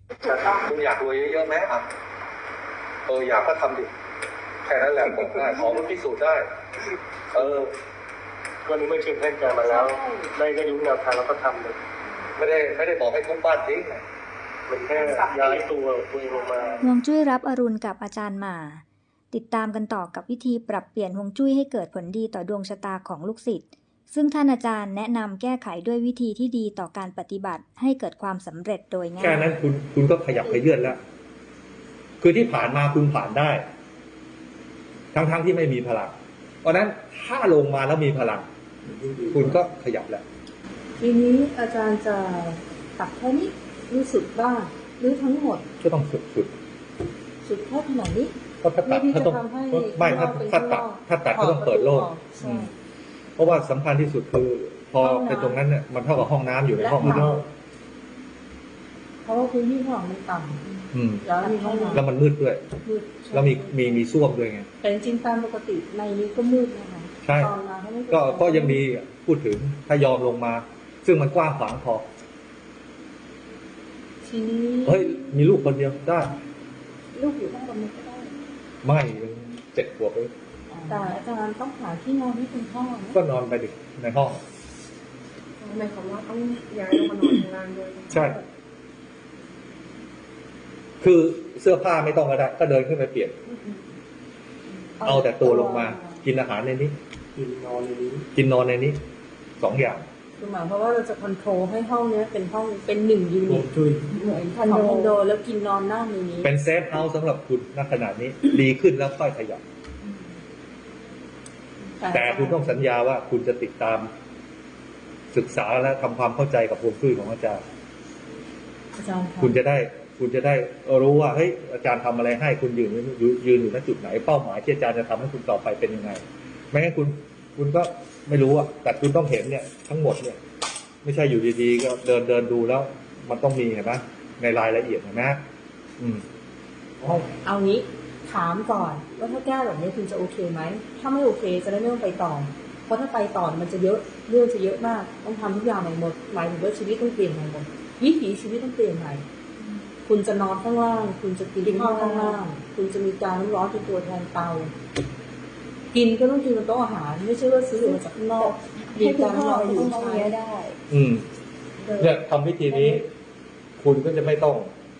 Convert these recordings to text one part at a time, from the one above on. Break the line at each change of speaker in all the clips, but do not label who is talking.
คุณอยากรวยเยอะๆไหมอ่ะอยากก็ทำดิแค่นั้นแหละบอกได้ของมันพิสูจน์ได้
วันนี้ไม่เชิญเพื่อนแกมาแล้วได้รู้แนวทางแล้วก็ทำเลย
ไม่ได้บอกให้ทุบบ้านทิ้ง
มันแค่ย้ายตัวเองลงมา
ฮวงจุ้ยรับอรุณกับอาจารย์หม่าติดตามกันต่อกับวิธีปรับเปลี่ยนฮวงจุ้ยให้เกิดผลดีต่อดวงชะตาของลูกศิษย์ซึ่งท่านอาจารย์แนะนำแก้ไขด้วยวิธีที่ดีต่อการปฏิบัติให้เกิดความสำเร็จโดยง่าย
แค่นั้นคุณก็ขยับขยื่นแล้วคือที่ผ่านมาคุณผ่านได้ทั้งที่ไม่มีพลังเพราะนั้นถ้าลงมาแล้วมีพลังคุณก็ขยับแล้ว
ทีนี้อาจารย์จะตัดแค่นี้รู้สึกบ้างหรือทั้งหมด
ก็ต้อง
สุดแค่ขนาดนี้
ก็ถ้าตัดถ้าต้องไม่ถ้าตัดก็ต้องเปิดโล่งเพราะว่าสำคัญที่สุดคือพอไปตรงนั้นเนี่ยมันเท่ากับห้องน้ำอยู่ในห้องนอก
เพราะว่าพื้นที่ห้องมันต่ำแล้วมีห้องน้ำ
แล้วมันมืดด้วยแล้วมีส้วมด้วยไง
แต่จริงๆตามปกติในนี้ก็มืดนะคะ
ใช่ก็ยังมีพูดถึงถ้ายอมลงมาซึ่งมันกว้างขวางพอ
ทีนี้
มีลูกคนเดียวได้
ลูกอยู่ห้องตรงนี้ก็ได้
ไม่7 ขวบเลย
แต่อาจารย์ต้องหาที่นอนที่เป็นห้อง
ก็นอนไปดิในห้อง
หมายความว่าต้องย้ายลงมานอนข้างล่างด้วย
ใช่คือเสื้อผ้าไม่ต้องก็ได้ก็เดินขึ้นไปเปลี่ยนเอาแต่ตัวลงมากินอาหารในนี้กินนอนในนี้2 อย่าง
คือหมายความว่าเราจะคอนโทรลให้ห้องนี้เป็นห้องเป็น1 ยูนิตเหมือนคอนโดแล้วกินนอนนั่งในนี้
เป็นเซฟเฮาส์สำหรับคุณณขณะนี้ดีขึ้นแล้วค่อยขยับแต่คุณต้องสัญญาว่าคุณจะติดตามศึกษาและทำความเข้าใจกับฮวงจุ้ยของอาจารย์คุณจะได้รู้ว่าเฮ้ยอาจารย์ทำอะไรให้คุณยืนอยู่ณจุดไหนเป้าหมายที่อาจารย์จะทำให้คุณต่อไปเป็นยังไงไม่งั้นคุณก็ไม่รู้อะแต่คุณต้องเห็นเนี่ยทั้งหมดเนี่ยไม่ใช่อยู่ดีๆก็เดินดูแล้วมันต้องมีเห็นไหมในรายละเอียดเห็นไหม
เอางี้ถามก่อนว่าถ้าแก้แบบนี้คุณจะโอเคไหมถ้าไม่โอเคจะได้ไม่ต้องไปต่อเพราะถ้าไปต่อมันจะเยอะเรื่องจะเยอะมากต้องทำทุกอย่างใหม่หมดหมายถึงว่าชีวิตต้องเปลี่ยนใหม่หมดวิถีชีวิตต้องเปลี่ยนใหม่คุณจะนอนข้างล่างคุณจะกินข้าวข้างล่างคุณจะมีการน้ำร้อนเป็นตัวแทนเตากินก็ต้องกินบนโต๊ะอาหารไม่ใช่ว่าซื้อมาจากข้างนอกมีการน้ำร้อนอยู่ใช้ได้
เนี่ยทำวิธีนี้คุณก็จะไม่ต้อง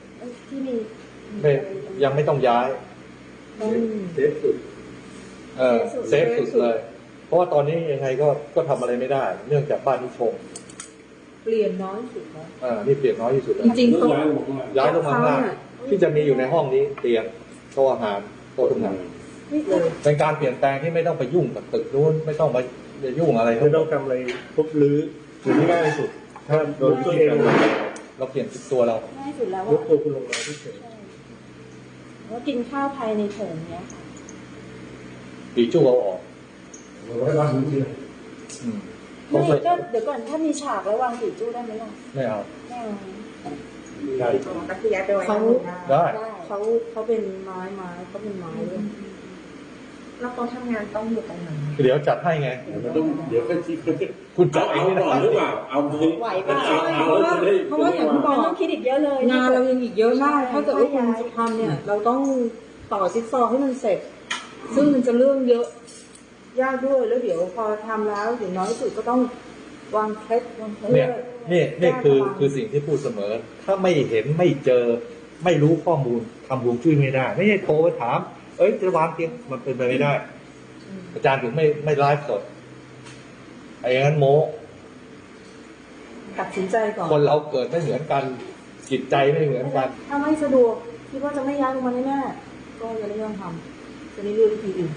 ยังไม่ต้องย้ายเซฟสุดเซฟสุดเลยเพราะว่าตอนนี้ยังไงก็ทำอะไรไม่ได้เนื่องจากบ้านนี้ชง
เปลี่ยนน้อยสุดแล้ว
นี่เปลี่ยนน้อยที่สุดแล้ว
จริงๆต้อง
ย้ายลงมาข้างล่างที่จะมีอยู่ในห้องนี้เตียงโต๊ะอาหารโต๊ะทำงานเป็นการเปลี่ยนแปลงที่ไม่ต้องไปยุ่งกับตึกนู้นไม่ต้องไปยุ่งอะไร
ไม่ต้องทำอะไรทุบรื้อจุดที่ง่ายที่สุดถ้าโดยตัวเอง
เราเปลี่ยนตัวเรา
ง่ายสุดแล้ว
ยกตัวคุณลงมาที่เฉย
ว่ากินข้าวภายในโถงเนี้ย
ปีจู้เอาออก
ไว้บ้านนี้
ไม่ก็เดี๋ยวก่อนถ้ามีฉากแล้ววางปีจู้ได้ไหมล่ะ
ไม่เอา
ได้ก็คือย้ายไปไว้
ได้
เขาเป็นไม้เขาเป็นไม้เลยแล้วเขาทำงานต้องอยู่ตรงไหน
เดี๋ยวจัดให้ไง
เดี๋ยวค่อยคิด
คุณจัดเอง
ก่อนหรือเปล่าเอา
ไหวป่ะเพราะว่าอย่างที่บอกต้องคิดอีกเยอะเลยงานเรายังอีกเยอะมากถ้าเกิดว่าคุณจะทำเนี่ยเราต้องต่อจิ๊กซอว์ให้มันเสร็จซึ่งมันจะเรื่องเยอะยากด้วยแล้วเดี๋ยวพอทำแล้วอย่างน้อยสุดก็ต้องวางเคล็ด
นี่คือสิ่งที่พูดเสมอถ้าไม่เห็นไม่เจอไม่รู้ข้อมูลทำฮวงจุ้ยไม่ได้ไม่ใช่โทรไปถามจะวางเตียงมันเป็นไปไม่ได้อาจารย์ถึงไม่ไลฟ์สดไอ้งั้นโม้
ตัดสินใจก่อน
คนเราเกิดไม่เหมือนกันจิตใจไม่เหมือนกัน
ถ้าไม่สะดวกคิดว่าจะไม่ย้ายลงมาแน่ๆก็อย่าเรื่องทำจะได้เลือกวิธีอื่น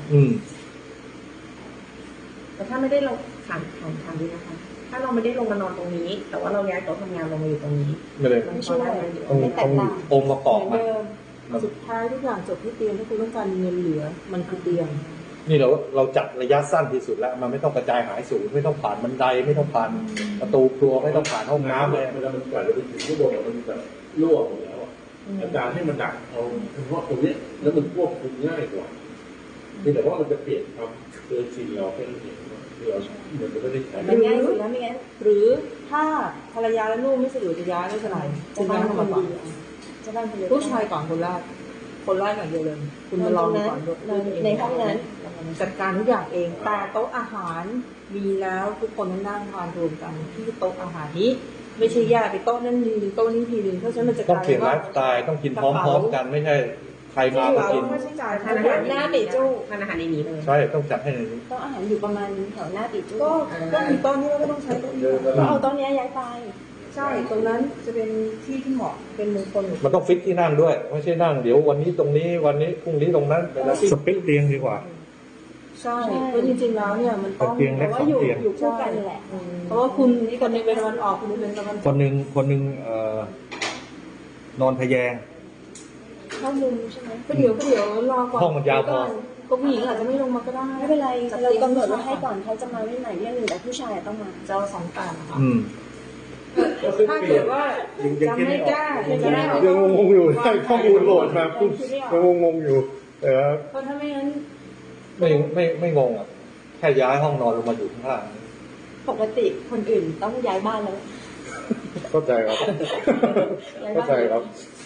แต่ถ้าไม่ได้เราถามดีนะคะถ้าเราไม่ได้ลงมานอนตรงนี้แต่ว่าเราย้ายโต๊ะทำงานลงมาอยู่ตรงนี้
ไม่ช่วยไม่แตกต่างองค์ประกอบ
มันสุดท้ายทุกอย่างจบที่เตียงถ้าคุณต้องการเงินเหลือมันคือเตียง
นี่เราจัดระยะสั้นที่สุดแล้วมันไม่ต้องกระจายหายสูงไม่ต้องผ่านบันไดไม่ต้องผ่านประตูครัวไม่ต้องผ่านห้องน้ำเลย
เวลามันกว่าจะไปถึงข้างบนมันแบบรั่วหมดแล้วอาจารย์ให้มันดักเอาเฉพาะตรงนี้แล้วมันควบคุมง่ายกว่าแต่ว่ามันจะเปลี่ยนความเคยชินเราแค่นั้นเองที่เราเหมือนไม่ได้ใช้
มันง่ายสุดแล้วไม่งั้นหรือถ้าภรรยาและลูกไม่สะดวกจะย้ายไม่เป็นไรจะย้ายเข้ามาก่อน
เจ้าบ้านคนเดียว
ผู้ชายก่อนคนแรกอย่างเดียวเลยคุณมาลองดูก่อนด้วย
ในห้องนั้น
จัดการทุกอย่างเองแต่โต๊ะอาหารมีแล้วทุกคนต้องนั่งทานรวมกันที่โต๊ะอาหารนี้ ไม่ใช่แยกไปโต๊ะนั้นทีนึงโต๊ะนี้ทีนึงเพราะฉะนั้นมันจะ
ต้อง
กลาย
เปลี่ยนไล
ว่า
ฟ์สไตล์ต้องกินพร้อมๆกันไม่ใช่ใครมาก็กิน
ค่าใช้จ่าย
ทานอาหารหน้าปีจู้ทานอาหารในนี้เลย
ใช่ต้องจัดให้ในนี้
โต๊ะอาหารอยู่ประมาณแถวหน้าปีจู้
ก็มีโต๊ะนี้เราก็ต้องใช้โต๊ะนี้
ก็เอาโต๊ะนี้ย้ายไป
ใช่ตรงนั้นจะเป็นที่ที่เหมาะเป็นมงคล
มันต้องฟิกที่นั่งด้วย ไม่ใช่นั่งเดี๋ยววันนี้ตรงนี้วันนี้พรุ่งนี้ตรงนั้นเป็นอาชีพ
สเปคเตียงดีกว่า
ใช่เพราะจริงๆแล้วเนี่ยมันต้อง
เตียงเล็ก
แต่ว่าอยู่คู่กันแหละ
เพราะว่าคุณคนหนึงเป็นตะวันออกคุณหนึงเป็นตะวันต
ค
ก
นหนึ่งนอนทะแยง
เข้ามุมใช่ไหม
ก็เดี๋ยวรอก่อน
ห้องมันยาวพอ
ก็ผู้หญิงอาจจะไม่ลงมาก็ได้
ไม่เป็นไรเรากำหนดไว้ให้ก่อนเขาจะมาไม่ใหม่เรื่องหนึ่งแต่ผู้ชายต้องมา
จะเอา2 ต่างค่ะ
อืม
ถ้าเกิดว่าจำไม่ได้จะได้
ยังงงๆอยู่ได้ข้อมูลโหลดมาปุ๊บยังงงๆอยู่แต่ว่า
เพราะถ้าไม่งั้น
ไม่งงอ่ะแค่ย้ายห้องนอนลงมาอยู่ข้างล่าง
ปกติคนอื่นต้องย้ายบ้านแล้ว
เข้าใจครับ
ย้าย
เข้า
บ้าน
ใจครับ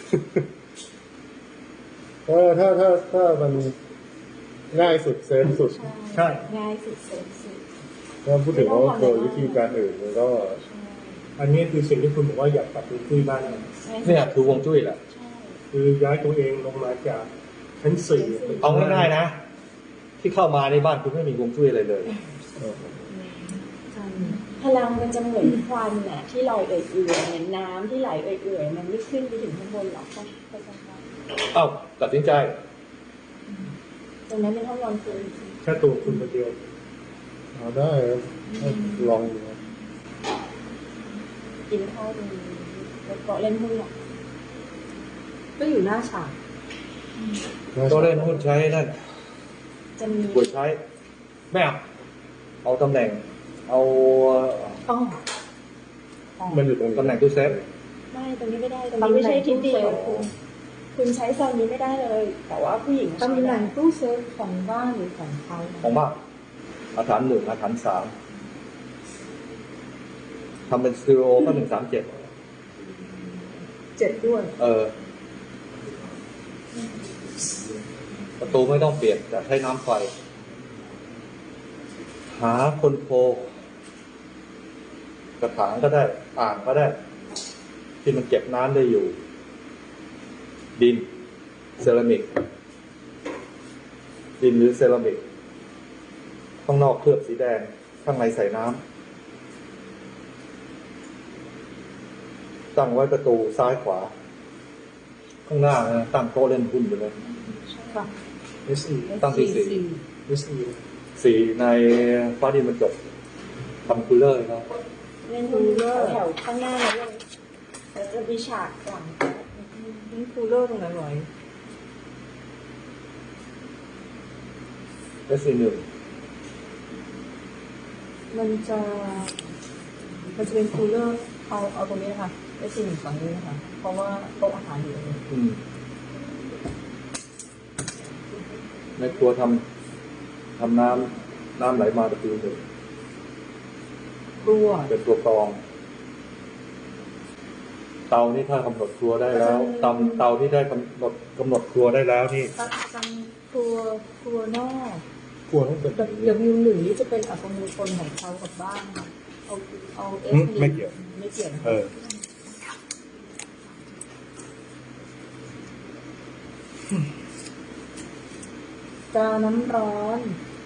ถ้ามันง่ายสุดเซฟสุด
ใช่
ง่ายสุดเสร็จสุด
ถ้าพูดถึงว่าโดยวิธีการอื่นมันก็
อันนี้คือสิ่งที่คุณบอกว่าอยากปรับปรุงที่บ้านเรา
เนี่ยคือฮวงจุ้ยแหละ
ใช่
คือย้ายตัวเองลงมาจากชั้น4
เอาง่ายๆนะ ที่เข้ามาในบ้านคุณไม่มีฮวงจุ้ยอะไรเลย
พลังมันจะเหมือนควันน่ะที่ลอยเอื่อยๆเหมือนน้ำที่ไหลเอื่อยๆมันไม่ขึ้นไปถึงข้างบนหรอกเข้าใจไหม
เอ้าตัดสินใจ
ตรงนั้นเป็นห้องนอนคุณ
แค่ตัวคุณคนเดียว
เอาได้ครับลองดูครับ
กินข้าวดีแล้วก็เล่นหุ้นหรอก
ก็อยู่หน้าฉาก
ก็เล่นหุ้นใช้นั่น
จะมี
ควรใช้ไม่เอาตำแหน่ง เอา
อ๋อ
มันอยู่ตรง
ตำแหน่
นี้
งตู้เซฟ
ไม่ตรงนี้ไม่ได้ตรงนี้ไม่ใช่ทิศเดียวคุณใช้โซนนี้ไม่ได้เลย แต่ว่าผู้หญิง
ตำแหน่งตู้เซฟของบ้านหรือของเขา
ของบ้านอาถรรพ์1อาถรรพ์3ทำเป็นสตูดิโอก็137
7ด้วย
ประตูไม่ต้องเปลี่ยนแต่ใช้น้ำไฟ หาคนโพกระถางก็ได้ อ่างก็ได้ ที่มันเก็บน้ำได้อยู่ ดิน เซรามิก ดินหรือเซรามิก ข้างนอกเคลือบสีแดง ข้างในใส่น้ำตั้งไว้ประตูซ้ายขวา ข้างหน้านะตั้งโต๊ะเล่นหุ้นไปเลย
ค่ะ
SE
ตั้งที่สี่
SE
สีในฟ้าดินบรรจบทำคูลเลอร์ครับ
เล่นหุ้นแถวข้างหน้าเลยแล้วจะมีฉากหลัง
นี่คูลเลอร์ตรงไหนไหว
SC1
มันจะเป็นคูลเลอร์เอาตรงนี้นะคะไอ้สิ่งฝั่งนี้นะคะเพราะว่าโต๊ะอาหารอยู่ตรงนี้
ในครัวทำน้ำไหลมาประตูหนึ่ง
ครัว
เป็นตัวกรอง เตานี่ถ้ากำหนดครัวได้แล้วเตาที่ได้กำหนดครัวได้แล้วนี่
ทำครัวนอก
ควรต้องเป็น
W1 นี่จะเป็นอัตโนมัติของเขากับบ้านค่ะเอา S
ไม่เกี่ยว
ไม่เกี่ยวนะ
เออ
กาน้ำร้อน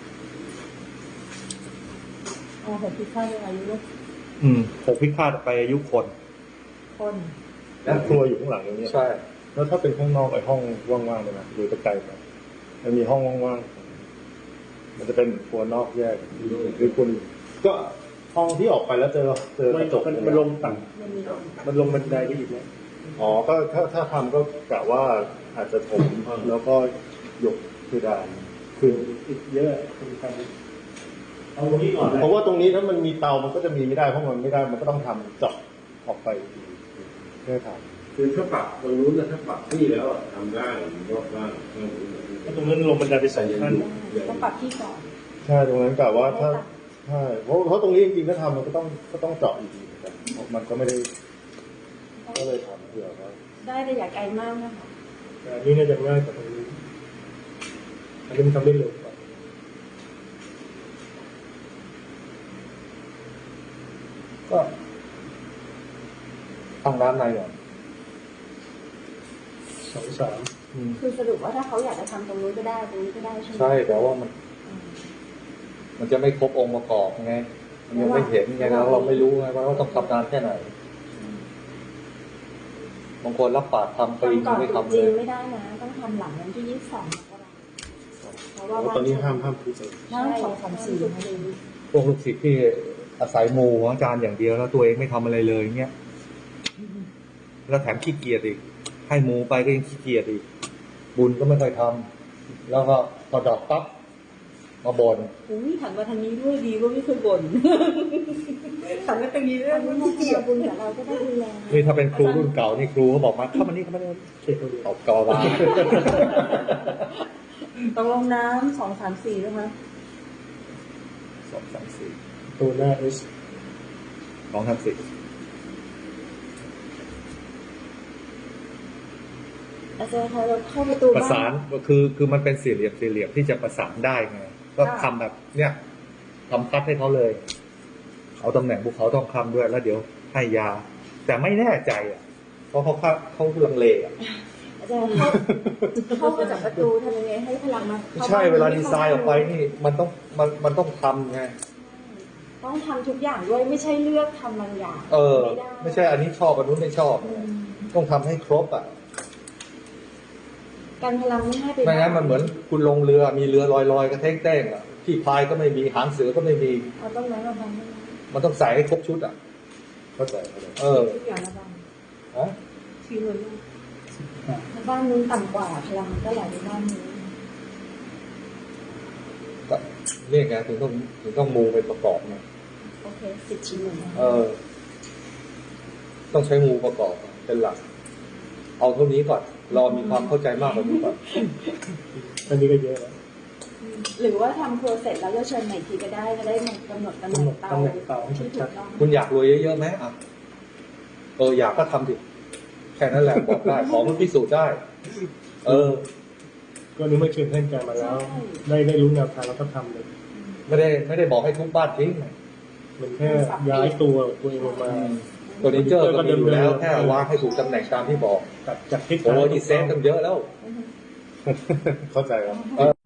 เอา6พิฆาตอายุลูก
6 พิฆาตไปอายุคน
คน
แล้วครัวอยู่ข้างหลังอย่างเงี้ย
ใช่
แล้วถ้าเป็นข้างนอกไอ้ห้องว่างๆเลยนะดูตะไกลไปมันมีห้องว่างๆมันจะเป็นครัวนอกแยกหรือคุณก็ห้องที่ออกไปแล้วเจอกระจก
มันลงต่
มันมีลม
ำมันลงบันไดไปอีกแล้ว
อ๋อก็ถ้าทำก็กะว่าอาจจะถมแล้วก็ยกเพดานขึ้น
อีกเยอะคุณทำเอาตรงนี้ก่อนนะ
เพราะว่าตรงนี้ถ้ามันมีเตามันก็จะมีไม่ได้เพราะมันไม่ได้มันก็ต้องทำเจาะออกไปแค่ทำ
คือถ้าปรับตรงนู้นนะถ้าปรับที่แล้วอะทำได้ยกได้
ตรงนั้นลงบันไดไป2 ขั้น
ต้องปรับที่ก่อน
ใช่ตรงนั้นกะว่าถ้าใช่เพราะตรงนี้จริงๆถ้าทำมันก็ต้องเจาะอีกทีเหมือนกันเพราะมันก็ไม่ได้
ต
ก็เลยถามเผื่อว่า
ได้แต่อย่าไกลมากนะคะ
แต่อันนี้น่าจะง่ายกว่าตรงนี้อันนี้มันทำได้เร็วกว่า
ก็ตั้งร้านในก่อน
2-3
คือสรุปว่าถ้าเขาอยากจะทำตรงนู้นก็ได้ตรงนี้ก็ได้ใช่ไหม
ใช่แต่ว่ามันจะไม่ครบองค์ประกอบไงมันยังไม่เห็นไงแล้วเราไม่รู้ไงว่าต้องทำนานแค่ไหนบางคนรับปากทำปี
ทำก่อน
ไม่
ตรุษ
ทำเล
จีน
ย
ไม่ได้นะ ต้องทำหลังวันที่ 22 มกราคมเพราะว่า
ตอนนี้ห้ามพูดเลย
ใช่2-3-4
พวกลูกศิษย์ที่อาศัยมูของอาจารย์อย่างเดียวแล้วตัวเองไม่ทำอะไรเลยเงี้ยแล้วแถมขี้เกียจอีกให้มูไปก็ยังขี้เกียจอีกบุญก็ไม่ค่อยทำแล้วก็พอดอกปั๊บมาบ่น
อุ้ยหันมาทางนี้ด้วยดีว่าไม่เคยบ่นหันมาทางนี้ด้วยว่าขี้เกียจบุญกับเราก็ได้ดูแล
นี่ถ้าเป็นครูรุ่นเก่านี่ครูเขาบอกมาเข้ามานี่เข้ามานี่
เช็คตัวเดียว
ตอบกอวา
ต้องลงน้ำ2-3-4นะคะ
2 3
ตัวหน้า S
4 2 3 4
อาจารย์คะเราเข้าประตู
ประสานคือมันเป็นสี่เหลี่ยมที่จะประสานได้ไงก็ทำแบบเนี้ยทำคัดให้เขาเลยเอาตำแหน่งภูเขาทองคำด้วยแล้วเดี๋ยวให้ยา แต่ไม่แน่ใจอ่ะเพราะเขาลังเลอ่ะ
อาจารย์เข้ามาจากประตูทำยังไงให้พลังมา
ไม่ใช่เวลาดีไซน์ออกไปนี่มันต้องทำไง
ต้องทำทุกอย่างด้วยไม่ใช่เลือกทำบางอย่าง ไม่ได้
ไม่ใช่อันนี้ชอบอันนู้นไม่ชอบต้องทำให้ครบอ่ะ
การพลังไม่ให้ไป
ไม่งั้นมันเหมือนคุณลงเรือมีเรือลอยๆกระเท้งๆอ่ะที่พายก็ไม่มีหางเสือก็ไม่มี
เอาต้นไม้มาบังได้ไหม
มันต้องใส่ให้ครบชุดอ่ะ
เข้าใจ
ทุกอย่างมาบัง
ฮะ
ทีเลย
บ้านนู้นต่ำกว่าพลังมันก็ไหลไปบ้านนี้
ก็นี่ไงถึงต้องมูไปประกอบไง
โอเค10 ชิ้นหนึ่ง
ต้องใช้มูประกอบเป็นหลัก เอาเท่านี้ก่อนรอมีความเข้าใจมากกว่านี้ก่อน
อันนี้ก็เยอะแล้ว
หรือว่าทำโปรเสร็จแล้วก็เชิญใหม่ทีก็ได้จะได้กำหนดตำแหน่งเตา
ตำแหน่งเตาให้
ที่ถู
ชั
ก
ด
ต้อง
คุณอยากรวยเยอะๆไหมอ่ะอยากก็ทำดิแค่นั้นแหละบอกได้ของมันพิสูจน์ได้
ก็นึกว่าเชิญท่านอาจารย์มาแล้ว ได้รู้แนวทางแล้วก็ทำเลย
ไม่ได้บอกให้ทุบบ้านทิ้ง
มันแค่ย้ายตัวเองลงมา
เฟอร์นิเจอร์ก็มีอยู่แล้วแค่วางให้ถูกตำแหน่งตามที่บอก
จากทิศ
โอ้
ทาง
ยนี่เซฟตั้งเยอะแล้ว
เข้าใจครับ